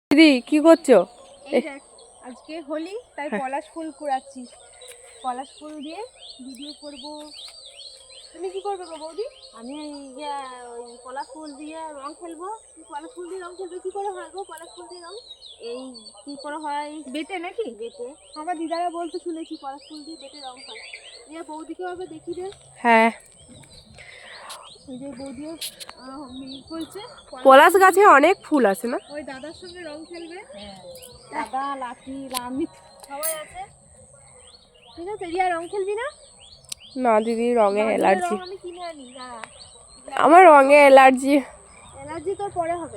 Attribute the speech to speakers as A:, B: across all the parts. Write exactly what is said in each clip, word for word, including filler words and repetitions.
A: দিদি কি করছো?
B: এই দেখ আজকে হোলি তাই পলাশ ফুল কুড়াচ্ছি। পলাশ ফুল দিয়ে ভিডিও করব। তুমি কি করবে গো বৌদি?
C: আমি ওই পলাশ ফুল দিয়ে রং খেলবো।
B: পলাশ ফুল দিয়ে রং খেলবে? কি করে হয় গো পলাশ ফুল দিয়ে রং?
C: এই কি করে হয়
B: বেটে নাকি?
C: বেটে।
B: আমার দিদারা বলতে শুনেছি পলাশ ফুল দিয়ে বেটে রং হয়। দিয়ে বৌদিকে হবে দেখি রে।
A: হ্যাঁ,
B: ওই যে বৌদিও বলছে
A: পলাশ গাছে অনেক ফুল আছে না?
B: ওই দাদার সঙ্গে রং খেলবে।
C: দাদা লাঠি লামি
B: সবাই আছে, ঠিক আছে। রিয়া রং খেলবি না?
A: না দিদি, রঙে অ্যালার্জি।
B: আমি কিনে আনি না,
A: আমার রঙে অ্যালার্জি।
B: অ্যালার্জি তোর পরে হবে।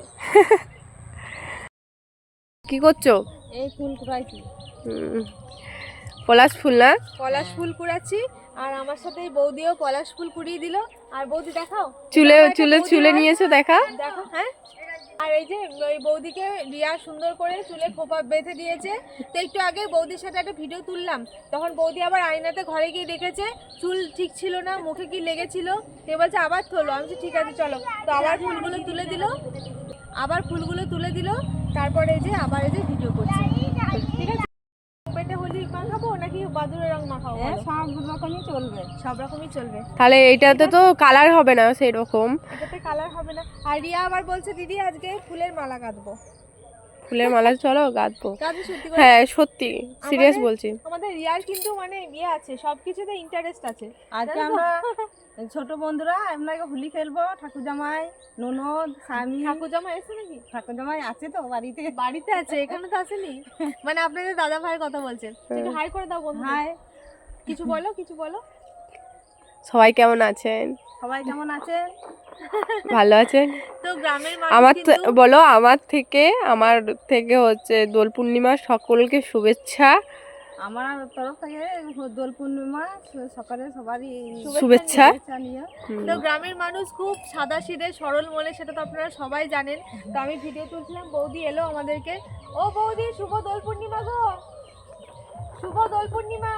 A: কি করছো?
C: এই ফুল কুড়াইছি।
A: হুম, পলাশ ফুল না?
B: পলাশ ফুল কুড়াচ্ছি আর আমার সাথে বৌদিও পলাশ ফুল কুড়িয়ে দিল। আর বৌদি দেখাও,
A: চুলে চুলে চুলে নিয়েছো, দেখা
B: দেখো। হ্যাঁ, আর এই যে ওই বৌদিকে রিয়া সুন্দর করে চুলে খোপা বেঁধে দিয়েছে। তো একটু আগে বৌদির সাথে একটা ভিডিও তুললাম, তখন বৌদি আবার আয়নাতে ঘরে গিয়ে দেখেছে চুল ঠিক ছিল না, মুখে কি লেগেছিল। তো বলছে আবার তোলো। আমি বলছি ঠিক আছে চলো। তো আবার ফুলগুলো তুলে দিল, আবার ফুলগুলো তুলে দিল। তারপরে এই যে আবার এই যে ভিডিও করছে। ঠিক আছে, পেটে হোলি মাখাবো নাকি বাদুড়ের রং মাখাবো?
C: সব রকমই চলবে,
B: সব রকমই চলবে।
A: তাহলে এইটাতে তো কালার হবে না সেই রকম।
B: এটাতে কালার হবে না। আর রিয়া আবার বলছে দিদি আজকে ফুলের মালা গাঁথবো।
A: ফুলের মালা চলো গাঁথবো।
B: গাঁথবো সত্যি করে?
A: হ্যাঁ সত্যি, সিরিয়াস
B: আমাদের-
A: বলছি।
B: আমাদের রিয়ার কিন্তু মানে ইয়ে আছে, সবকিছুতে ইন্টারেস্ট আছে।
C: আজকে আমরা ছোট বন্ধুরা আমরা হোলি খেলবো। ঠাকুর জামাই, ননদ, স্বামী।
B: ঠাকুর জামা এসে নাকি?
C: ঠাকুর জামাই আছে তো বাড়িতে?
B: বাড়িতে আছে, এখানে তো আসেনি। মানে আপনাদের দাদা ভাইয়ের কথা বলছেন। একটু হাই করে দাও বন্ধু।
C: হাই।
B: কিছু বলো, কিছু বলো।
A: সবাই কেমন আছেন?
C: সবাই কেমন আছে?
A: ভালো আছেন?
B: তো গ্রামের
A: আমার
B: মানুষ কিন্তু
A: বলো, আমার থেকে আমার থেকে হচ্ছে দোল পূর্ণিমার সকলকে শুভেচ্ছা।
C: আমার তরফ থেকে দোল পূর্ণিমা সকালে সবারই
A: শুভেচ্ছা।
C: নিয়ে।
B: তো গ্রামের মানুষ খুব সাদা সিধে সরল মনে, সেটা তো আপনারা সবাই জানেন। তো আমি ভিডিও তুলছিলাম, বৌদি এলো আমাদেরকে। ও বৌদি, শুভ দোল পূর্ণিমা গো, শুভ দোল পূর্ণিমা।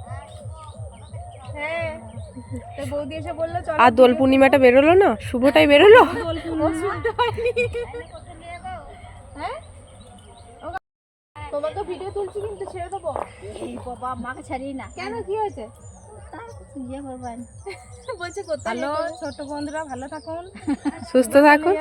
B: হ্যাঁ, তো বৌদি এসে বললো চলো।
A: আর দোল পূর্ণিমাটা বেরোলো না, শুভটাই বেরোলো।
C: দোল
B: ও শুনতে পাইনি। হ্যাঁ, তোমাকে ভিডিও তুলছি কিন্তু ছেড়ে দেবো?
C: এই বাবা, মাকে ছাড়িয়ে না।
B: কেন, কি হয়েছে?
C: ইয়ে করবেন
B: বলছে কোথায়
C: ভালো ছোট বন্ধুরা ভালো থাকুন,
A: সুস্থ থাকুন।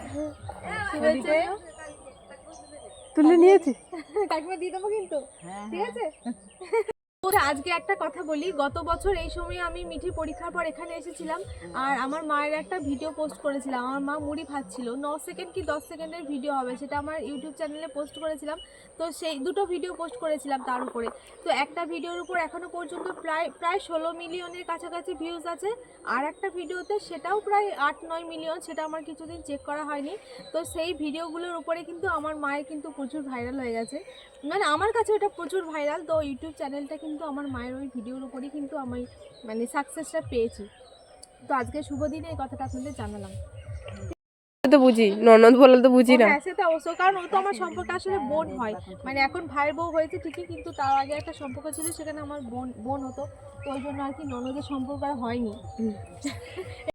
A: তুলে নিয়েছি,
B: কাকিমা দিয়ে দেবো কিন্তু, ঠিক আছে। আজকে একটা কথা বলি, গত বছর এই সময় আমি মিঠি পরীক্ষার পর এখানে এসেছিলাম আর আমার মায়ের একটা ভিডিও পোস্ট করেছিলাম। আমার মা মুড়ি ভাজছিল, ন সেকেন্ড কি দশ সেকেন্ডের ভিডিও হবে, সেটা আমার ইউটিউব চ্যানেলে পোস্ট করেছিলাম। তো সেই দুটো ভিডিও পোস্ট করেছিলাম তার উপরে। তো একটা ভিডিওর উপর এখনও পর্যন্ত প্রায় প্রায় ষোলো মিলিয়নের কাছাকাছি ভিউজ আছে। আর একটা ভিডিওতে সেটাও প্রায় আট নয় মিলিয়ন, সেটা আমার কিছুদিন চেক করা হয়নি। তো সেই ভিডিওগুলোর উপরে কিন্তু আমার মায়ের কিন্তু প্রচুর ভাইরাল হয়ে গেছে, মানে আমার কাছে ওটা প্রচুর ভাইরাল। তো ইউটিউব চ্যানেলটা কিন্তু আমার মায়ের ওই ভিডিওর উপরেই কিন্তু আমি মানে সাকসেসটা পেয়েছি। তো আজকে শুভ দিনে এই কথাটা আপনাদের জানালাম।
A: তো বুঝি, ননদ বলে তো বুঝি না।
B: হ্যাঁ, সেটা অবশ্য, কারণ ও তো আমার সম্পর্কে আসলে বোন হয়। মানে এখন ভাইয়ের বউ হয়েছে ঠিকই, কিন্তু তার আগে একটা সম্পর্ক ছিল, সেখানে আমার বোন বোন হতো। তো ওই জন্য আর কি ননদের সম্পর্ক আর হয়নি।